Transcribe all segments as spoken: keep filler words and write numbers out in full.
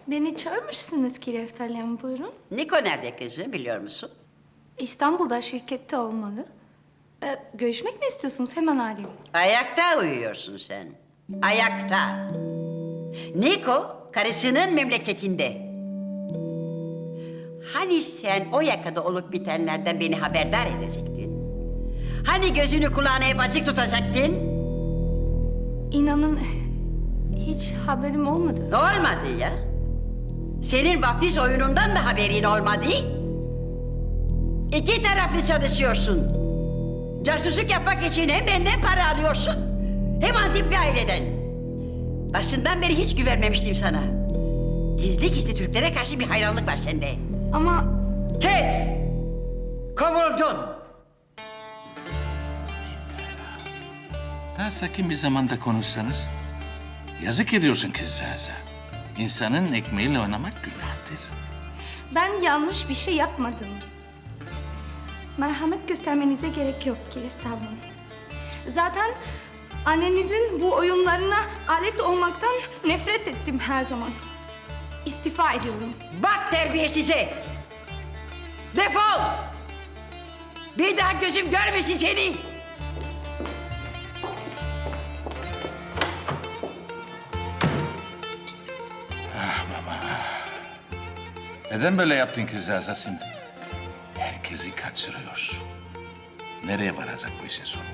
Beni çağırmışsınız ki Lefterli Hanım, buyurun. Niko nerede kızım, biliyor musun? İstanbul'da şirkette olmalı. Ee, görüşmek mi istiyorsunuz? Hemen arayayım. Ayakta uyuyorsun sen. Ayakta. Niko karısının memleketinde. Hani sen o yakada olup bitenlerden beni haberdar edecektin? Hani gözünü kulağını hep açık tutacaktın? İnanın hiç haberim olmadı. Ne olmadı ya? Senin vaftiz oyunundan da haberin olmadı. İki taraflı çalışıyorsun. Casusluk yapmak için hem benden para alıyorsun, hem Antip bir aileden. Başından beri hiç güvenmemiştim sana. Gizli gizli Türklere karşı bir hayranlık var sende. Ama Kes! Kovuldun! Daha sakin bir zamanda konuşsanız. Yazık ediyorsun kızcağıza. İnsanın ekmeğiyle oynamak günahtır. ben yanlış bir şey yapmadım. Merhamet göstermenize gerek yok ki estağfurullah. Zaten annenizin bu oyunlarına alet olmaktan nefret ettim her zaman. İstifa ediyorum. Bak terbiyesize! Defol! Bir daha gözüm görmesin seni! Neden böyle yaptın kızcağıza şimdi? Herkesi kaçırıyorsun. Nereye varacak bu işin sonu?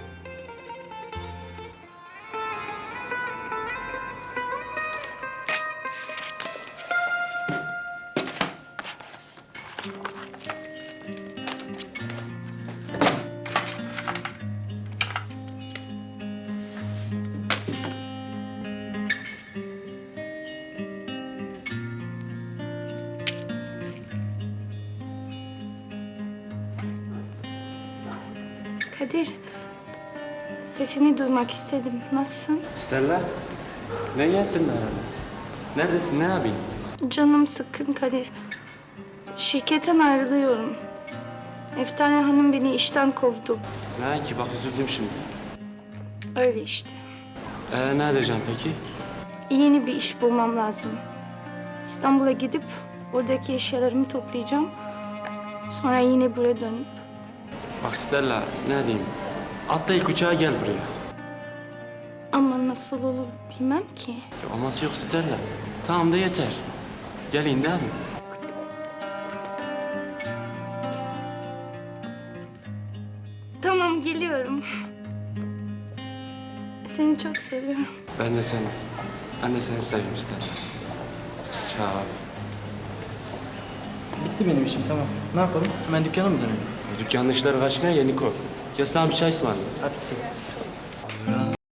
Kadir, sesini duymak istedim. Nasılsın? Stella, ne yaptın herhalde? Neredesin, ne yapayım? Canım sıkkın Kadir. Şirketten ayrılıyorum. Eftane Hanım beni işten kovdu. Ne ki, bak üzüldüm şimdi. Öyle işte. Ee, ne edeceğim peki? Yeni bir iş bulmam lazım. İstanbul'a gidip oradaki eşyalarımı toplayacağım. Sonra yine buraya dönüp. Bak Stella, ne diyeyim? Atla ilk uçağa gel buraya. Ama nasıl olur bilmem ki. Ya, aması yok Stella. Tamam da yeter. Gelin değil mi? Tamam, geliyorum. Seni çok seviyorum. Ben de seni. Ben de seni seviyorum Stella. Ciao. Bitti benim işim, tamam. Ne yapalım? Hemen dükkana mı dönelim? Dükkanın işleri kaçmaya ya Niko. Gel sana bir çay ısmarlayayım. Hadi gidelim.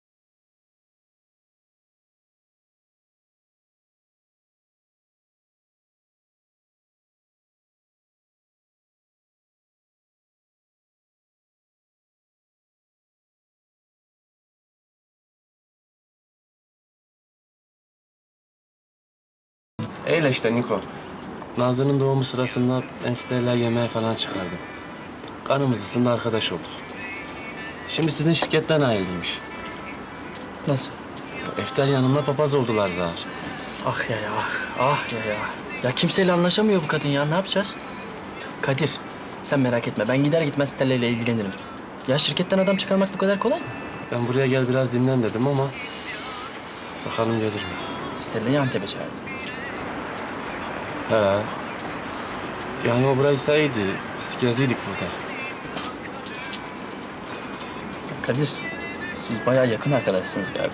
Öyle işte Niko. Nazlı'nın doğumu sırasında ben Stella yemeğe falan çıkardım. Kanımız ısındı, arkadaş olduk. Şimdi sizin şirketten ayrılıymış. Nasıl? Ya, Eftel Hanım'la papaz oldular Zahar. Ah ya ya, ah ya ya. Ya kimseyle anlaşamıyor bu kadın ya, ne yapacağız? Kadir, sen merak etme. Ben gider gitmez Stella ile ilgilenirim. Ya şirketten adam çıkarmak bu kadar kolay mı? Ben buraya gel biraz dinlen dedim ama... bakalım gelir mi? Stella'yı Antep'e çağırdı. He. Yani o burayı sayıydı. Biz geziydik burada. Kadir, siz bayağı yakın arkadaşsınız galiba.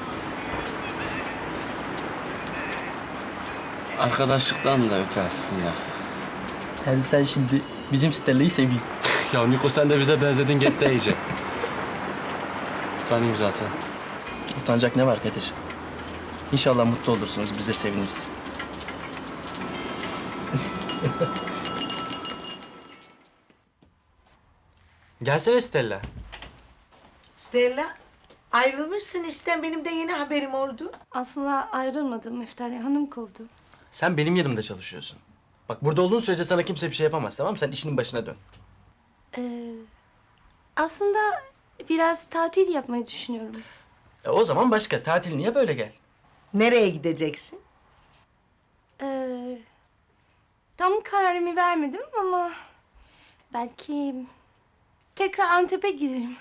Arkadaşlıktan da öte aslında. Yani sen şimdi bizim Stella'yı seveyim. Ya Niko, sen de bize benzedin, get de iyice. Utanayım zaten. Utanacak ne var Kadir? İnşallah mutlu olursunuz, biz de seviniriz. Gelsene Stella. Stella, ayrılmışsın işten. Benim de yeni haberim oldu. Aslında ayrılmadım. Eftane Hanım kovdu. Sen benim yanımda çalışıyorsun. Bak burada olduğun sürece sana kimse bir şey yapamaz, tamam mı? Sen işinin başına dön. Ee, aslında biraz tatil yapmayı düşünüyorum. E, o zaman başka. Tatilini yap öyle gel. Nereye gideceksin? Ee, tam kararımı vermedim ama belki tekrar Antep'e giderim.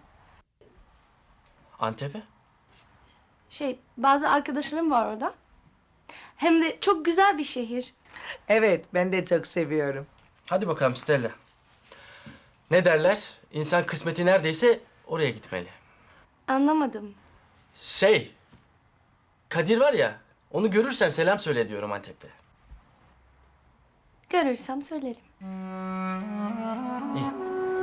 Antep'e? Şey, bazı arkadaşlarım var orada. Hem de çok güzel bir şehir. Evet, ben de çok seviyorum. Hadi bakalım Stella. Ne derler? İnsan kısmeti neredeyse oraya gitmeli. Anlamadım. Şey, Kadir var ya, onu görürsen selam söyle diyorum Antep'te. Görürsem söylerim. İyi.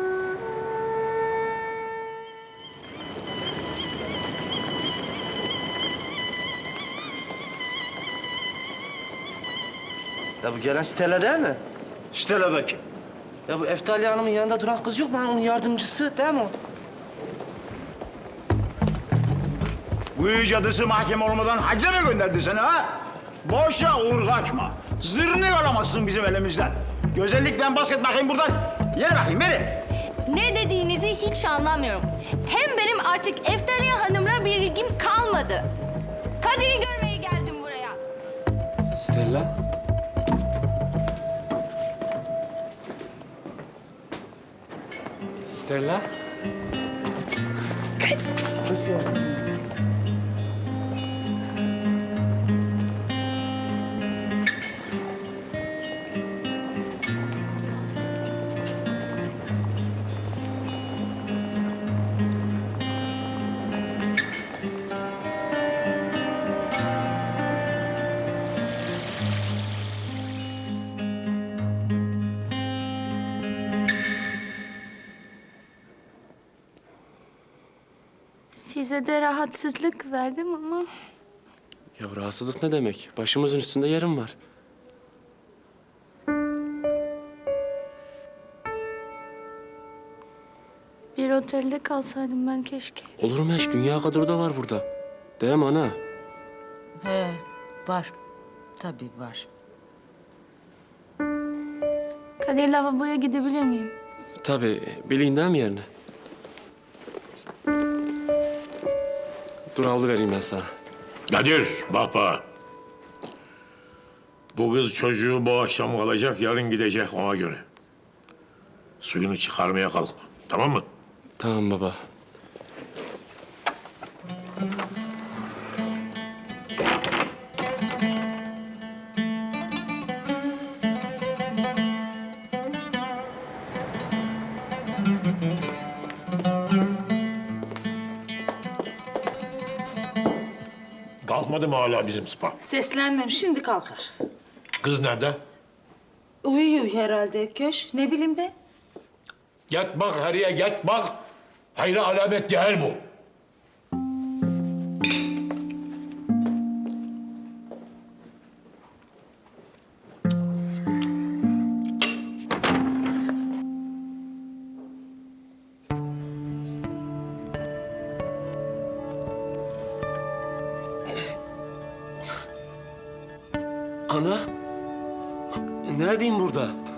Ya bu gelen Stella değil mi? Stella kim? Ya bu Eftali Hanım'ın yanında duran kız yok mu? Hani onun yardımcısı değil mi o? Kuyu cadısı mahkeme olmadan hacca mı gönderdi seni ha? Boşa uğur kaçma. Zırnı yoramazsın bizim elimizden. Güzellikten basket bakayım buradan. Yere bakayım beni. Ne dediğinizi hiç anlamıyorum. Hem benim artık Eftaliye Hanım'la bir ilgim kalmadı. Kadir'i görmeye geldim buraya. Stella? Stella? Size de rahatsızlık verdim ama Ya rahatsızlık ne demek? Başımızın üstünde yerim var. bir otelde kalsaydım ben keşke. Olur mu hiç? Dünya kadar da var burada. Değil mi ana? He, var. Tabii var. Kadir lavaboya gidebilir miyim? Tabii. Bileyim değil mi yerine? Dur havlu vereyim ben sana. Kadir, bak bak. Bu kız çocuğu bu akşam kalacak, yarın gidecek ona göre. Suyunu çıkarmaya kalkma, tamam mı? Tamam baba. Kalkmadı mı hala bizim spa? Seslendim, şimdi kalkar. Kız nerede? Uyuyor herhalde köş, ne bileyim ben. Git bak heriye, git bak. Hayra alamet değil bu. Ana? Ne edeyim burada?